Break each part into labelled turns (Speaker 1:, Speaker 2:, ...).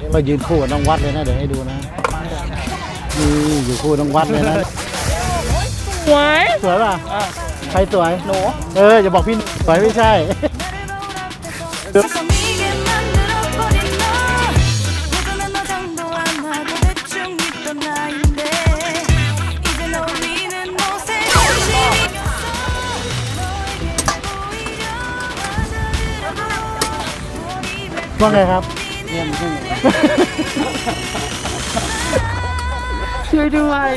Speaker 1: เรายืนคู่กับน้องวัดเลยนะเดี๋ยวให้ดูนะนี่อยู่คู่น้องวัดเลยนะ
Speaker 2: สวย
Speaker 1: สวยป่ะใครสวย
Speaker 2: หนู
Speaker 1: อย่าบอกพี่สวยไม่ใช่ว่าไงครับเนี่ยมัน
Speaker 2: ช่วยด้วย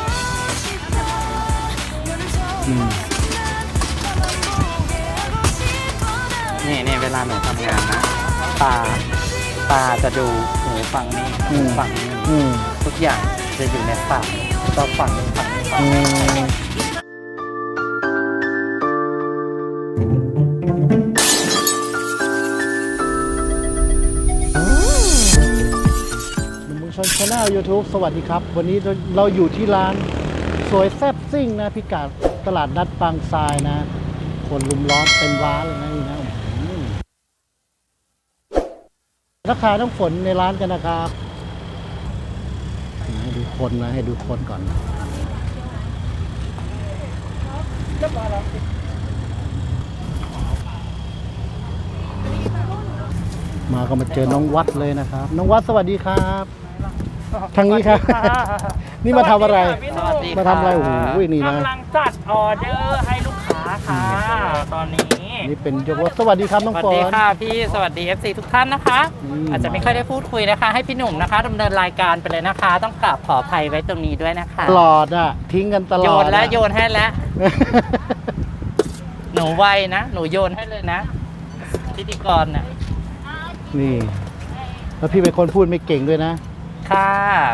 Speaker 2: นี่เวลาหนูทำงานนะตาจะดูหูฝั่งนี้หูฝั่งนี้ทุกอย่างจะอยู่ในฝั่งก็ฝั่งนี้ฝั่ง
Speaker 1: ชนชาแนล YouTube สวัสดีครับวันนี้เราอยู่ที่ร้านสวยแซ่บซิ่งนะพิกัดตลาดนัดบางทรายนะคนลุมล้อมเต็มร้านเลยนะนี่นะราคาต้องฝนในร้านกันนะครับให้ดูคนนะให้ดูคนก่อนมาก็มาเจอน้องวัดเลยนะครับน้องวัดสวัสดีครับทางนี้ครับนี่มาทำอะไรมาทำอะไรโอ้โหนี่นะ
Speaker 2: กำลังจัดออเดอร์ให้ลูกค้าค่ะตอนนี้
Speaker 1: นี่เป็นยกรถสวัสดีครับน้องฝน
Speaker 2: สวัสดีค่ะพี่สวัสดี FC ทุกท่านนะคะอาจจะไม่ค่อยได้พูดคุยนะคะให้พี่หนุ่มนะคะดำเนินรายการไปเลยนะคะต้องกราบขออภัยไว้ตรงนี้ด้วยนะคะ
Speaker 1: ตลอดอ่ะทิ้งกันตลอด
Speaker 2: โยนแล้วโยนให้แล้วหนูไวนะหนูโยนให้เลยนะพิธีกรน่ะ
Speaker 1: นี่แล้วพี่เป็นคนพูดไม่เก่งด้วยนะ
Speaker 2: ค่ะ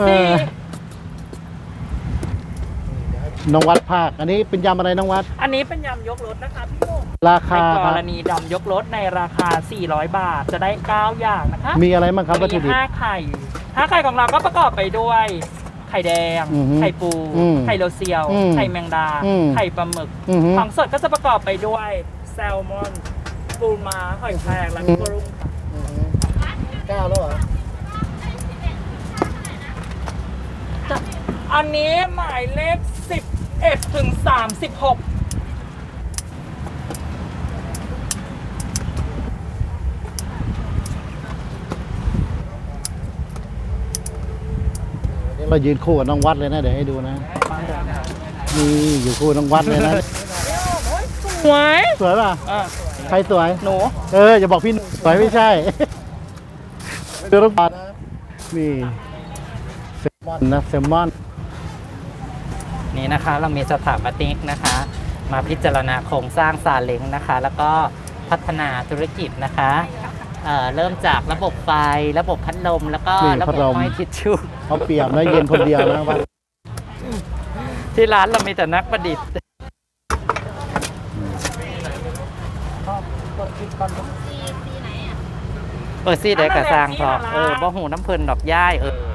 Speaker 1: น้องวัดภาคอันนี้เป็นยำอะไรน้องวัด
Speaker 2: อันนี้เป็นยำยกรถนะคะพี่โม
Speaker 1: ราคา
Speaker 2: ในกรณีดำยกรถในราคา400 บาทจะได้9อย่างนะคะ
Speaker 1: มีอะไรบ้างครับวัตถุดิบ
Speaker 2: 5 ไข่5 ไข่ของเราก็ประกอบไปด้วยไข่แดงไข่ปูไข่โรเซียวไข่แมงดาไข่ปลาหมึกของสดก็จะประกอบไปด้วยแซลมอนปูม้าหอยแครงและกุ้งค่ะ
Speaker 1: 9แล้วเหรอ
Speaker 2: อันนี้หมายเลข11ถึง36
Speaker 1: เรายืนคู่กับน้องวัดเลยนะเดี๋ยวให้ดูนะนี่อยู่คู่น้องวัดเลยนะ
Speaker 2: สวย
Speaker 1: สวยป่ะใครสวย
Speaker 2: หนู
Speaker 1: อย่าบอกพี่สวยไม่ใช่ดูน้องวัดนี่แซลมอนนะแซลมอน
Speaker 2: นี่นะคะเรามีสถาปนิกนะคะมาพิจารณาโครงสร้างซาเล้งนะคะแล้วก็พัฒนาธุรกิจนะคะเริ่มจากระบบไฟระบบพัดลมแล้วก็ระบบห้อยทิชชู่
Speaker 1: เขาเปียกนะเย็นคนเดียวนะว่า
Speaker 2: ที่ร้านเรามีแต่นักประดิษฐ์ซี่เด็กกระซังพอบ่หูน้ำเพลินดอกย่าย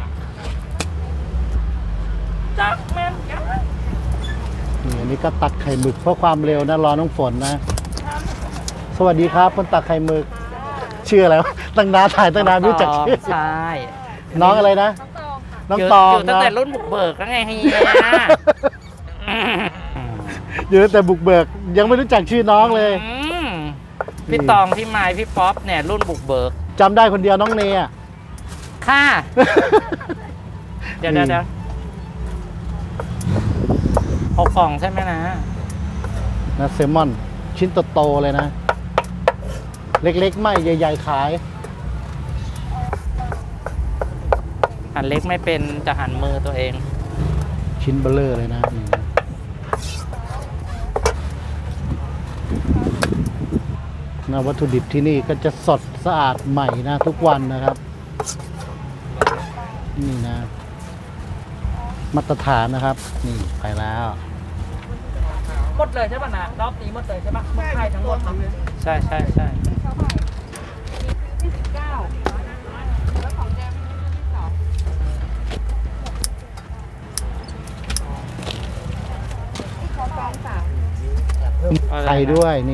Speaker 2: จักแม่นกัน
Speaker 1: นี่อันนี้ก็ตักไข่หมึกเพราะความเร็วนะรอน้องฝนนะสวัสดีครับคนตักไข่หมึกชื่ออะไรวะตั้งนานถ่ายตั้งนานไม่รู้จักชื่อ
Speaker 2: ใช่
Speaker 1: น้องอะไรนะน้องตอง
Speaker 2: อยู่ตั้งแต่รุ่นบุกเบิกแล้วไงเฮีย
Speaker 1: อยู่ตั้งแต่บุกเบิกยังไม่รู้จักชื่อน้องเลย
Speaker 2: พี่ตองพี่ไม้พี่ป๊อปเนี่ยรุ่นบุกเบิก
Speaker 1: จำได้คนเดียวน้องเนย
Speaker 2: ค่ะเดี๋ยว6 กล่องใช่ไหมนะ
Speaker 1: แซลมอนชิ้นโตๆเลยนะเล็กๆไม่ใหญ่ๆขาย
Speaker 2: หั่นเล็กไม่เป็นจะหั่นมือตัวเอง
Speaker 1: ชิ้นเบลอเลยนะวัตถุดิบที่นี่ก็จะสดสะอาดใหม่นะทุกวันนะครับนี่นะมาตรฐานนะครับนี่ไปแล้ว
Speaker 2: หมดเลยใช่ป่ะนะรอบนี้หมดเลยใช่ป่ะหมดไข่ทั้งหมดใช่
Speaker 1: ไข่ด้วยนี่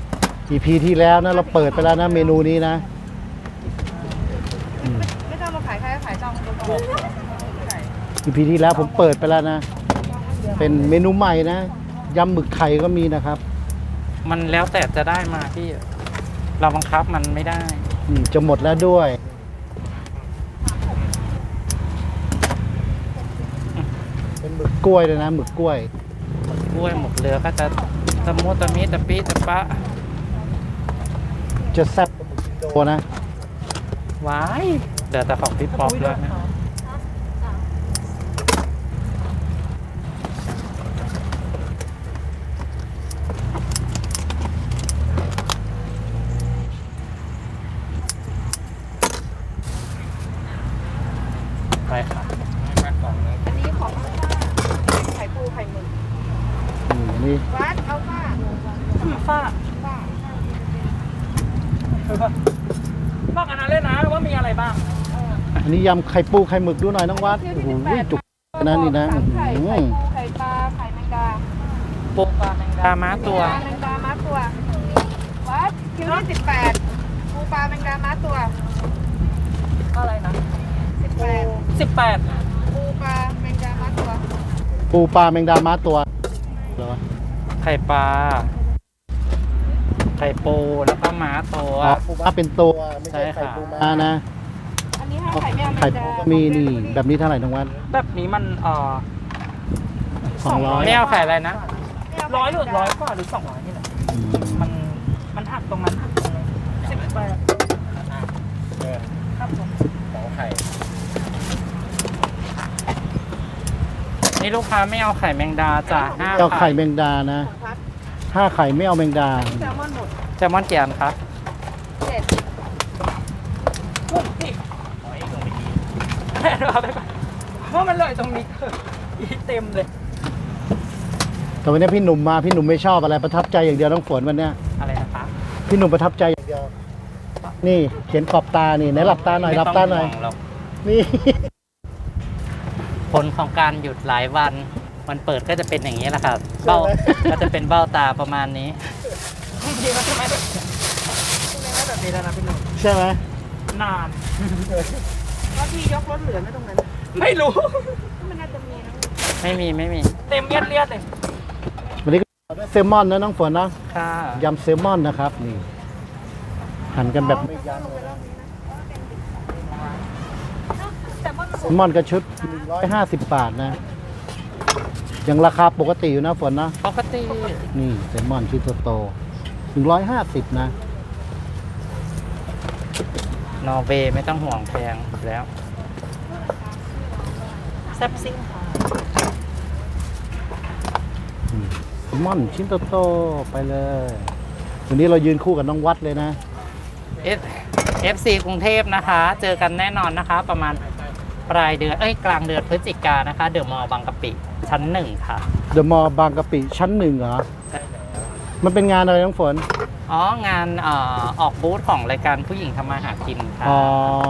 Speaker 1: EP ที่แล้วนะเราเปิดไปแล้วนะเมนูนี้นะ
Speaker 3: ไม่ต้องมาขาย
Speaker 1: EP ที่แล้วผมเปิดไปแล้วนะ เป็นเมนูใหม่นะยำหมึกไข่ก็มีนะครับ
Speaker 2: มันแล้วแต่จะได้มาพี่ เราบังคับมันไม่ได้
Speaker 1: จะหมดแล้วด้วย เป็นหมึกกล้วยเลยนะหมึกกล้วย
Speaker 2: กล้วยหมกเรือก็จะตะมุตะมิตะปิตะปะ
Speaker 1: จะแซ่บกว่าหมึกอินโดนะ
Speaker 2: ว้ายเหลือแต่ของพี่ป๊อปแล้วนะไปค่ะ
Speaker 3: อันนี้ของไข่ปูไข่หมึก
Speaker 1: อันนี้
Speaker 3: วัดเอาค่ะ
Speaker 2: ฝ้า
Speaker 3: ว่า
Speaker 2: บอกอันนั้นเลยนะว่ามีอะไรบ้าง
Speaker 1: อันนี้ยำไข่ปูไข่หมึกดูหน่อยน้องวัดโอ้โหจุกนะนี่นะ
Speaker 3: สามไข่
Speaker 1: อื้อ
Speaker 3: ไข่
Speaker 1: หือ
Speaker 3: ปูไข่ปลาไข่แมงดา
Speaker 2: ปูปลาแมงดาม้าตัว
Speaker 3: แมงดาม้าตัววัดคิวที่18ปูปลาแมงดาม้าตัว
Speaker 2: อะไรนะ
Speaker 3: 18
Speaker 2: 18
Speaker 3: ปูปลาแมงดาม้าตัว
Speaker 1: ปูปลาแมงดาม้าตัวเหรอ
Speaker 2: ไข่ปลา ไข่ปูแล้วก็ม้าตัว
Speaker 1: อ๋อปูม้าเป็นตัวไม่ใช่
Speaker 2: ใช่
Speaker 1: ไข่
Speaker 2: ค่ะ
Speaker 1: ปูม้านะ
Speaker 3: อันนี้5ไข่แมวแม
Speaker 1: ไข่
Speaker 3: ง
Speaker 1: ปู
Speaker 3: ดา
Speaker 1: ก็มีนี่แบบนี้เท่าไหร่น้องวัด
Speaker 2: แบบนี้มัน
Speaker 1: 200
Speaker 2: ไม่เอาไข่อะไรนะ100หรือ100กว่าหรือ200นี่แหละ
Speaker 1: อืม
Speaker 2: มันหักตรงนั้น18ครับผมนี่ลูกค้าไม่เอาไข่แมงดาจ้ะ5
Speaker 1: ไม่เอาไข่แมงดานะ
Speaker 3: พัด
Speaker 1: 5 ไข่ไม่เอาแมงดา
Speaker 3: แซลมอนหมด
Speaker 2: แซลมอนเกียนครับ
Speaker 3: 7
Speaker 2: พุ่งสิเอาไปก่อนเพราะมันเลยตรงนี้อีเต็มเลย
Speaker 1: แต่วันนี้พี่หนุ่มมาพี่หนุ่มไม่ชอบอะไรประทับใจอย่างเดียวน้องฝนวันเนี้ย
Speaker 2: อะไรนะคะ
Speaker 1: พี่หนุ่มประทับใจอย่างเดียว นี่เขียนขอบตานี่ไหนหลับตาหน่อยหลับตาหน่อย
Speaker 2: ไม่ต้งห่วงรก
Speaker 1: นี่
Speaker 2: ผลของการหยุดหลายวันวันเปิดก็จะเป็นอย่างนี้แหละครับเบ้าก็จะเป็นเบ้าตาประมาณนี้บางทีมันจะไม่แบบแบบนี้แล้วนะพี่หนุ่ม
Speaker 1: ใช่ไหม
Speaker 2: นาน
Speaker 3: แล้วพี่ยกรถเหลือไหมตรงนั้น
Speaker 2: ไม่รู้
Speaker 3: มันน่าจะมีนะ
Speaker 2: ไม่มีเต็มเลียดเลย
Speaker 1: วันนี้ก็ได้เซลมอนนะน้องฝนนะ
Speaker 2: ค่ะ
Speaker 1: ยำเซลมอนนะครับนี่หั่นกันแบบไม่ยั้งเลยเซลมอนกระชุด150 บาทนะยังราคาปกติอยู่นะฝนนะ
Speaker 2: ปกติ
Speaker 1: นี่เซลมอนชิ้นโตๆ150นะ
Speaker 2: นอร์เวย์ไม่ต้องห่วงแพงอยู่แล้วแซ่บซิ่งค่ะ
Speaker 1: แซลมอนชิ้นโตๆไปเลยวันนี้เรายืนคู่กับน้องวัดเลยนะ
Speaker 2: FC กรุงเทพนะคะ เจอกันแน่นอนนะคะ ประมาณปลายเดือนกลางเดือนพฤศจิกายนนะคะ เดอะมอลล์บางกะปิชั้น 1 ค่ะ
Speaker 1: เดอะมอลล์บางกะปิชั้น1เหรอ มันเป็นงานอะไรน้องฝน
Speaker 2: อ๋องานออกบูธของรายการผู้หญิงทำมาหากินค่ะ
Speaker 1: อ๋อ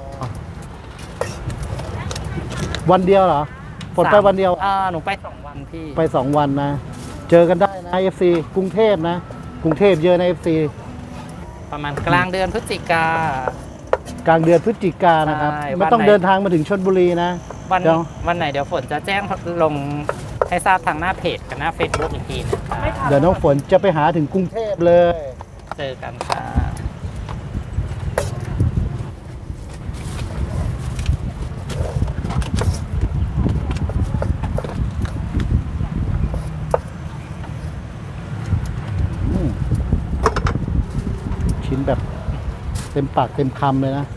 Speaker 1: วันเดียวเหรอ ฝนไปวันเดียว
Speaker 2: หนูไป2 วันพี่
Speaker 1: ไป 2 วันนะ เจอกันได้นะ FC กรุงเทพนะ กรุงเทพเยอะนะ FC
Speaker 2: ประมาณกลางเดือนพฤศจิกาก
Speaker 1: ลางเดือนพฤศจิกายนนะครับ
Speaker 2: ใช่
Speaker 1: ไม่ต้อง
Speaker 2: วันไหน
Speaker 1: เดินทางมาถึงชลบุรีนะ
Speaker 2: วัน
Speaker 1: เดี๋ยว
Speaker 2: วันไหนเดี๋ยวฝนจะแจ้งลงให้ทราบทางหน้าเพจกับหน้า Facebook อีกทีนะคะ
Speaker 1: เดี๋ยวน้องฝนจะไปหาถึงกรุงเทพเลย
Speaker 2: เจอกันค่ะ
Speaker 1: อืมชิ้นแบบเต็มปากเต็มคำเลยนะ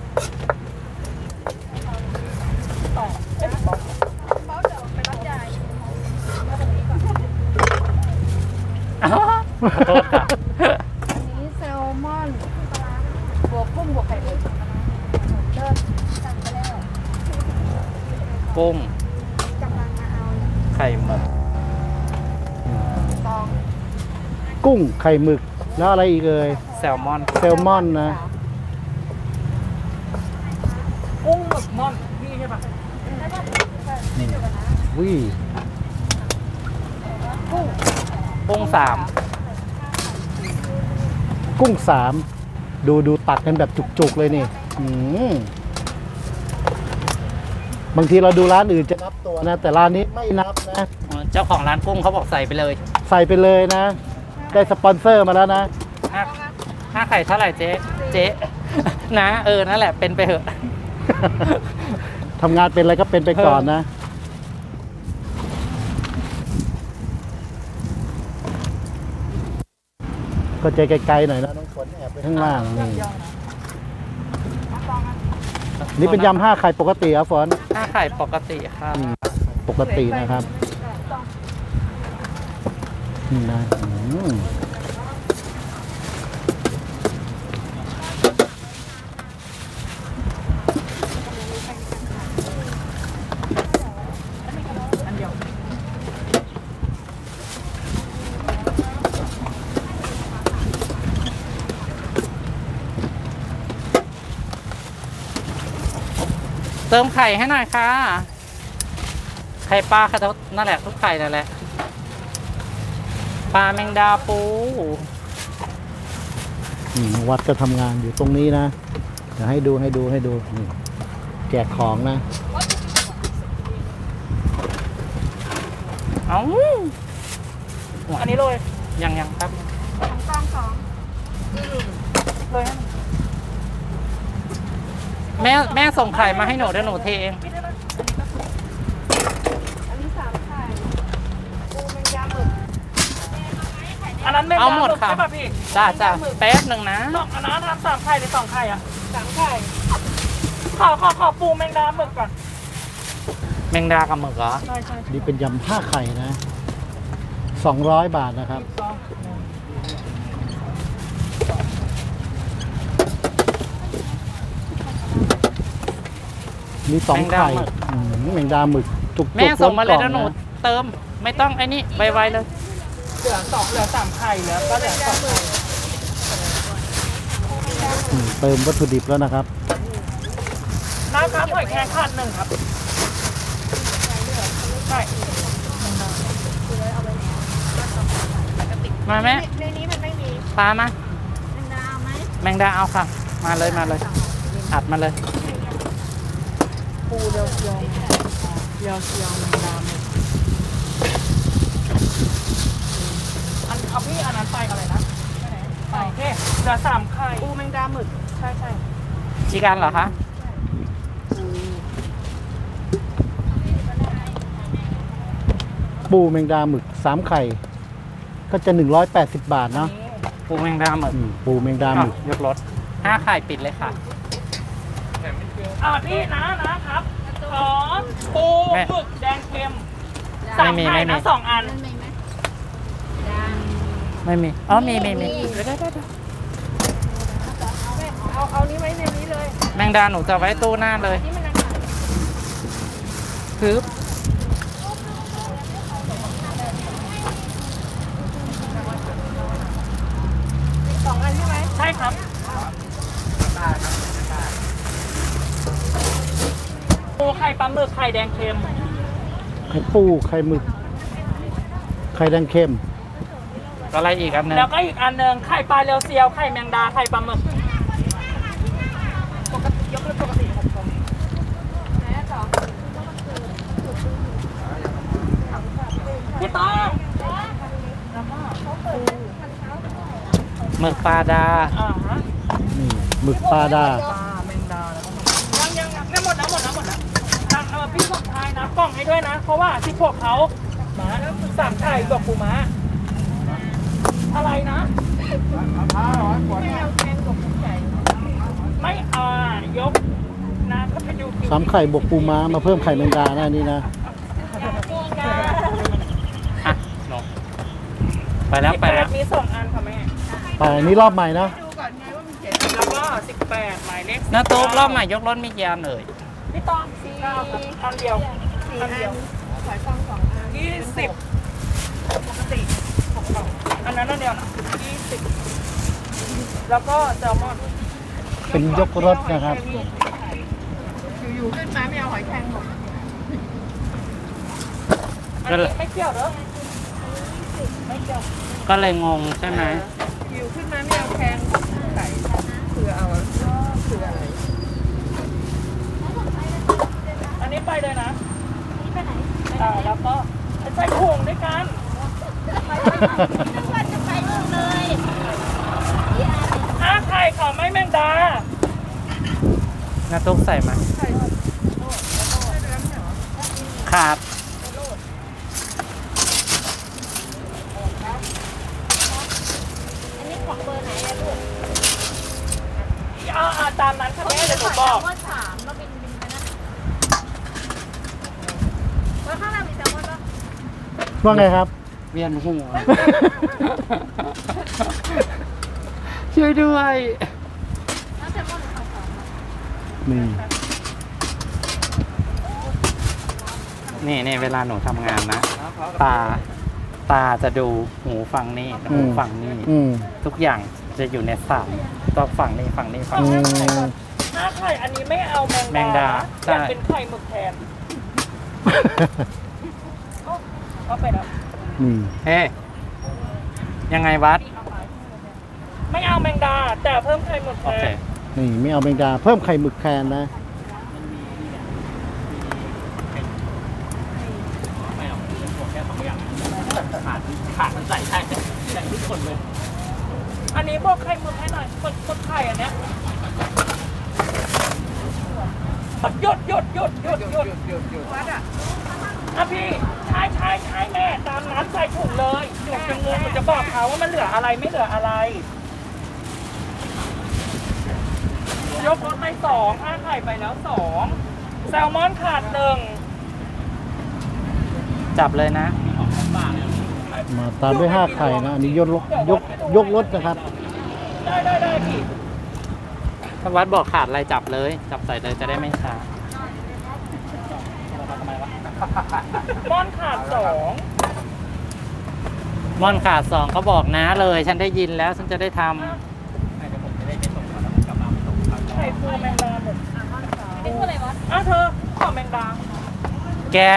Speaker 2: ขอโทษค่ะ
Speaker 3: อันนี้แซลมอนบวกกุ้งบวกไข่หมึกเริ่มสั่งไปแล้ว
Speaker 2: กุ้ง
Speaker 3: กำลังมาเอา
Speaker 2: ไข่หมึก
Speaker 3: ซอง
Speaker 1: กุ้งไข่หมึกแล้วอะไรอีกเอ่ย
Speaker 2: แซลมอน
Speaker 1: แซลมอนนะ
Speaker 2: กุ้งหมึกม่อนนี่ใช่ปะ
Speaker 1: วิ
Speaker 2: กุ้ง
Speaker 1: กุ้งดูตักกันแบบจุกๆเลยนี่อืมบางทีเราดูร้านอื่นจะนับตัวนะ แต่ร้านนี้ไม่นับนะ
Speaker 2: เจ้าของร้านกุ้งเขาบอกใส่ไปเลย
Speaker 1: ใส่ไปเลยนะ ได้สปอนเซอร์มาแล้วนะ
Speaker 2: ห้าไข่เท่าไหร่เจ๊ นะนั่นแหละเป็นไปเถอะ
Speaker 1: ทำงานเป็นอะไรก็เป็นไปก่อนนะ ก็ใจไกลๆหน่อยนะน้องฝนแอบไปข้างล่างนี่เป็นยำ5 ไข่ปกติครับฝน
Speaker 2: ห้าไข่ปกติครับ
Speaker 1: ปกตินะครับนี่นะ
Speaker 2: เติมไข่ให้หน่อยค่ะ ไข่ปลาค่ะนั่นแหละทุกไข่นั่นแหละ ปลาแมงดาปู
Speaker 1: วัดก็ทำงานอยู่ตรงนี้นะเดี๋ยวให้ดูนี่แจกของนะ
Speaker 2: เอ้าอันนี้เลยยังครับ
Speaker 3: กองสอง
Speaker 2: เลยแม่ส่งไข่มาให้หนูเดี๋ยวหนูเทเอง
Speaker 3: อันนี้3 ไข่ปูแมงดาหมึก
Speaker 2: อันนั้นแมงดาหมึกใช่ป่ะพี่จ้าแป๊บหนึ่งนะ
Speaker 3: อันนั้นทำ3 ไข่หรือ2 ไข่อ่ะ3 ไข่
Speaker 2: ขอปูแมงดาหมึกก่อน แมงดากับหมึกเหรอ
Speaker 3: ใช่
Speaker 1: นี่เป็นยำ5 ไข่นะ200 บาทนะครับมี2 ไข่แมงดาหมึกจุกๆ
Speaker 2: แม่ส่งมาเลย
Speaker 1: ล้
Speaker 2: นะ
Speaker 1: น
Speaker 2: ห
Speaker 1: ก
Speaker 2: นู
Speaker 1: ล่อง
Speaker 2: เติมไม่ต้องไอ้นี่ไวๆเลย
Speaker 3: เหลือ3 ไข่เหลือก็เหลือ2 ไข่
Speaker 1: เติมวัตถุดิบแล้วนะครับ
Speaker 2: น้ำครับหอยแครงขาด1ครับใช่มาแม่
Speaker 3: ในนี้มันไม่มี
Speaker 2: ปลามา
Speaker 3: แมงดาไหม
Speaker 2: แมงดาเอาค่ะ มาเลยอัดมาเลย
Speaker 3: ปูเรียวแมงดาหมึก
Speaker 2: เอาพี่อันนั้นไปอะไรนะไปโอเคเหลือ3 ไข่
Speaker 3: ปูแมงดาหมึกใช่
Speaker 2: จีกันเหรอคะ
Speaker 1: ปูแมงดาหมึก3 ไข่ ก็จะ180 บาทเนาะ
Speaker 2: ปูแมงดาหมึก
Speaker 1: ปูแมงดาหมึก
Speaker 2: ยกรถ5 ไข่ปิดเลยค่ะพี่นะครับขอปูหมึกแดงเค็ม3 ไข่นะ2 อัน
Speaker 3: นั่นมีไหม
Speaker 2: ไม่มีอ๋อมีได้
Speaker 3: เอานี้ไว้ในนี้เลย
Speaker 2: แมงดาหนูจะไว้ตู้หน้าเลย
Speaker 3: นี่มันอาหาร
Speaker 2: คือ
Speaker 3: 2 อันใช่ไหม
Speaker 2: ใช่ครับปูไข่ปลาหมึกไข่แดงเค็ม
Speaker 1: ไข่ปูไข่หมึก ไข่แดงเค็ม
Speaker 2: อะไรอีกอันนึง
Speaker 4: แล้วก็อีกอันหนึ่งไข่ปลาเรียวเซียวไข่แมงดาไข่ปลาหมึก
Speaker 3: ยกเลิกปกติ6 คนไหนต่อ
Speaker 4: พี่ต้อง
Speaker 2: หมึกปลาดา
Speaker 1: นี่หมึกปลาดา
Speaker 4: ปลาแมงดายังไม่หมดนะพี่ส่งท้ายนะกล่องให้ด้วยนะ เพราะว่าที่พวกเขาหมา3 ไข่กับปูม้าอะไรนะ
Speaker 3: ไม่เอาแกงกบใหญ่
Speaker 4: ไม่ยกนะก็ไปดู
Speaker 1: 3 ไข่บวกปูม้ามาเพิ่มไข่แมงดานะอันนี่นะ
Speaker 2: อ่ะลงไปแล้ว
Speaker 4: มี2 อันค่ะแม่
Speaker 1: ไปอันนี้รอบใหม่นะ
Speaker 3: ดูก่อนไงว่ามันเจ็บ
Speaker 4: แล้วก็18หมายเลข
Speaker 2: น้าตุ๊กรอบใหม่ยกรถมีกี่อันเอ่ย
Speaker 4: พี่ต้อง9ครับอันเดียว
Speaker 3: 4 อันหอยฟอง2 อัน
Speaker 4: 20ปกติ6 กล่องอันนั้นอันเดียวนะ20แล้วก็แซลมอน
Speaker 1: เป็นยกรถนะครับ
Speaker 3: อยู่ๆขึ้นมาไม่เอาหอยแครงหมด
Speaker 4: อันนี้ไม่เกี่ยวเหรอไม่เกี่ยว
Speaker 2: ก็เลยงงใช่ไหม
Speaker 3: อยู่ขึ้นมาไม่เอาแครงไก่คือเอาคืออะไร
Speaker 4: อันนี้ไปเลย
Speaker 2: ไข่ของไม่แมงดา
Speaker 4: น้าตุ๊กใส่มาขาด
Speaker 3: อันนี้ของเบอร์ไหนอะลูก
Speaker 2: ตามนั้นค่ะแม่เดี๋ยวหนูบอก
Speaker 3: แซลมอน3แล้วเป็นนะว่าข้างหน้ามีแซลมอนปะ
Speaker 1: ว่าไงครับ
Speaker 4: เวียนหัว ช่วยด้วย
Speaker 3: แล้วแซลมอนหรือของ
Speaker 1: นี่
Speaker 4: นี่เวลาหนูทำงานนะ ตาจะดูหูฟังนี่หูฟังนี่ ทุกอย่างจะอยู่ในสามก็ฝั่งนี้ฝั่งนี้ฝั่งนี้
Speaker 2: ถ้าไข่อันนี้ไม่เอาแม
Speaker 4: แมงดาใช่
Speaker 2: แต่เป็นไข่หมึกแทนก็ไปแล้ว
Speaker 4: เฮ้ยังไงวัด
Speaker 2: ไม่เอาแมงดา แต่เพิ่มไข่หมึกแท
Speaker 4: โอเคน
Speaker 1: นี่ไม่เอาแมงดาเพิ่มไข่หมึกแทนนะ
Speaker 2: ขาดมันใส่ได้แต่ทุกคนเลย อันนี้บอกไข่หมึกให้หน่อยคนไข่อันเนี้ยหยุดวัดอ่ะพี่ใช่แม่ตามนั้นใส่ถุงเลยหยุดจะงงมันจะบอกเขาว่ามันเหลืออะไรไม่เหลืออะไร ยกรถไป2ไข่ไปแล้ว2แซลมอนขาด1
Speaker 4: จับเลยนะ
Speaker 1: มาตามด้วย5ไข่นะอันนี้ยกรถนะครับ
Speaker 2: ได้พี่
Speaker 4: ถ้าวัดบอกขาดอะไรจับเลย จับใส่เลยจะได้ไม่ช้า
Speaker 2: ม่อนขาด
Speaker 4: ม่อนขาด2ก็บอกนะเลย ฉันได้ยินแล้วฉันจะได้ท
Speaker 2: 2ไข่ปูแมงดาหมด
Speaker 3: นี่คืออะไรวะ
Speaker 2: เธอขอแมงดา
Speaker 4: ำแกะ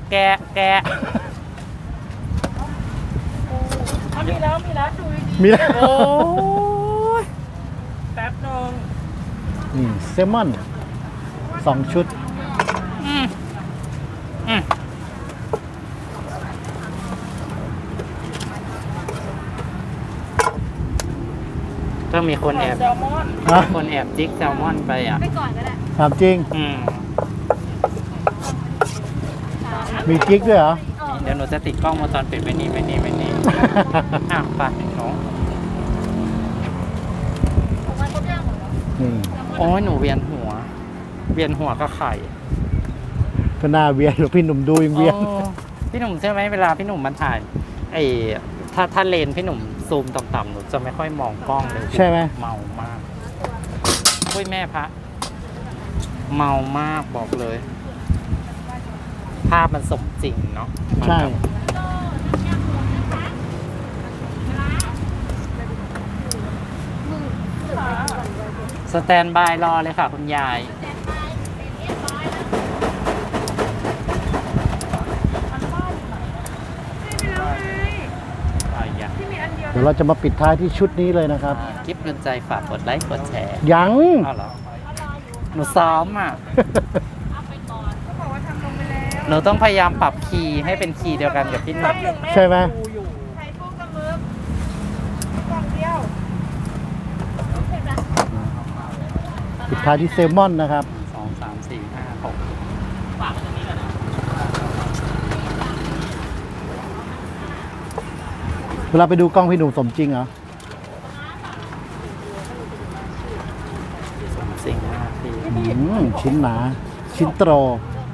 Speaker 2: มีแล้วดูดี
Speaker 1: มีแล้ว
Speaker 4: โอ้ย
Speaker 2: แป๊บนึง
Speaker 1: นี่เซลมอน2 ชุด
Speaker 4: อืมก็มีคนแอบ
Speaker 2: แซลมอน
Speaker 4: คนแอบจิกแซลมอนไปอ่ะ
Speaker 3: ไปก่อนก็ได้
Speaker 1: ถามจริง มีกิ๊กด้วยเหรอ
Speaker 4: เดี๋ยวหนูจะติดกล้องวงจรปิดไว้นี่อ่ะไปหนู
Speaker 3: ของมันครบย่างหมดแล้ว
Speaker 1: นี่
Speaker 4: โอ้ยหนูเวียนหัวก็ไข่
Speaker 1: ก็น่าเวียนหรือพี่หนุ่มดูยังเวียน
Speaker 4: โอ้พี่หนุ่มใช่ไหมเวลาพี่หนุ่มมันถ่ายถ้าเลนพี่หนุ่มซูมต่ำๆหนูจะไม่ค่อยมองกล้องเลย
Speaker 1: ใช่ไหม
Speaker 4: เมามากอุ้ยแม่พระเมามากบอกเลย ภาพมันสมจริงเนาะมัน
Speaker 1: ใช่
Speaker 4: แบบสแตนบายรอเลยค่ะคุณยาย
Speaker 1: เดี๋ยวเราจะมาปิดท้ายที่ชุดนี้เลยนะครับ
Speaker 4: คลิปเงินใจฝากกดไลค์กดแชร์
Speaker 1: ยัง
Speaker 4: อ้าวเหรอหนูซ้อมอ่ะหนูต้องพยายามปรับคีย์ให้เป็นคีย์เดียวกันกับพี่หนุ่
Speaker 2: แป๊
Speaker 4: ม
Speaker 2: บนึงแม่
Speaker 1: ใช่ไหม
Speaker 2: ดูอยู่
Speaker 3: ไข่ปูกับมึกกล่องเดียว
Speaker 1: ปิดท้ายที่เซลมอนนะครับ
Speaker 4: 2 3 4 5 6
Speaker 1: เวลาไปดูกล้องพี่หนุ่มสมจริงเหรอ
Speaker 4: สมจริงมากพี่
Speaker 1: ชิ้นหนา ชิ้นโตร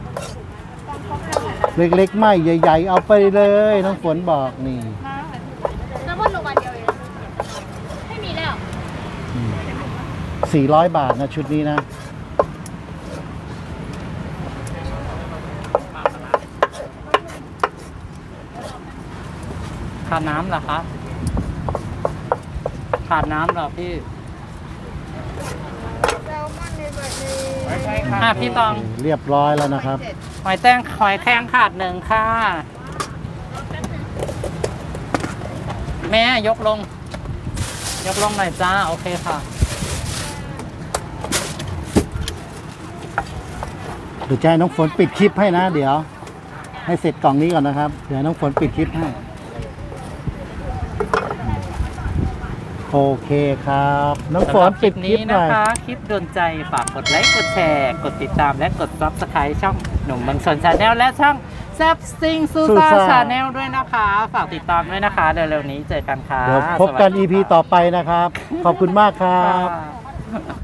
Speaker 1: เล็กๆ ไม่ใหญ่ ๆ เอาไปเลยน้องฝนบอกนี่
Speaker 3: แซลมอนลงมาเดียวเองไม่มีแล้ว
Speaker 1: 400 บาทนะชุดนี้นะ
Speaker 4: ขาดน้ำเหรอครับขาดน้ำเหรอพี่
Speaker 3: แซลมอนในแบบนี้
Speaker 4: พี่ตอง
Speaker 1: เรียบร้อยแล้วนะครับ
Speaker 4: หอยแครงขาด1ค่ะ แม่ยกลงหน่อยจ้า โอเคค่ะ
Speaker 1: เดี๋ยวจะให้น้องฝนปิดคลิปให้นะ เดี๋ยว ให้เสร็จกล่องนี้ก่อนนะครับ เดี๋ยวน้องฝนปิดคลิปให้โอเคครับ น้องฝนปิดคลิปหน่
Speaker 2: นะ
Speaker 1: อย
Speaker 2: คะ คลิปโดนใจฝากกดไลค์กดแชร์ กดติดตามและกด Subscribe ช่องหนุ่มเมืองชนชาแนลและช่องแซบซิงซูซ่าชาแนลด้วยนะคะ ฝากติดตามด้วยนะคะ เร็วๆนี้เจอกันค่ะ
Speaker 1: เดี๋ยวพบกัน
Speaker 2: สวัสดี
Speaker 1: EP ต่อไปนะครับ ขอบคุณมากครับ
Speaker 2: ค่ะ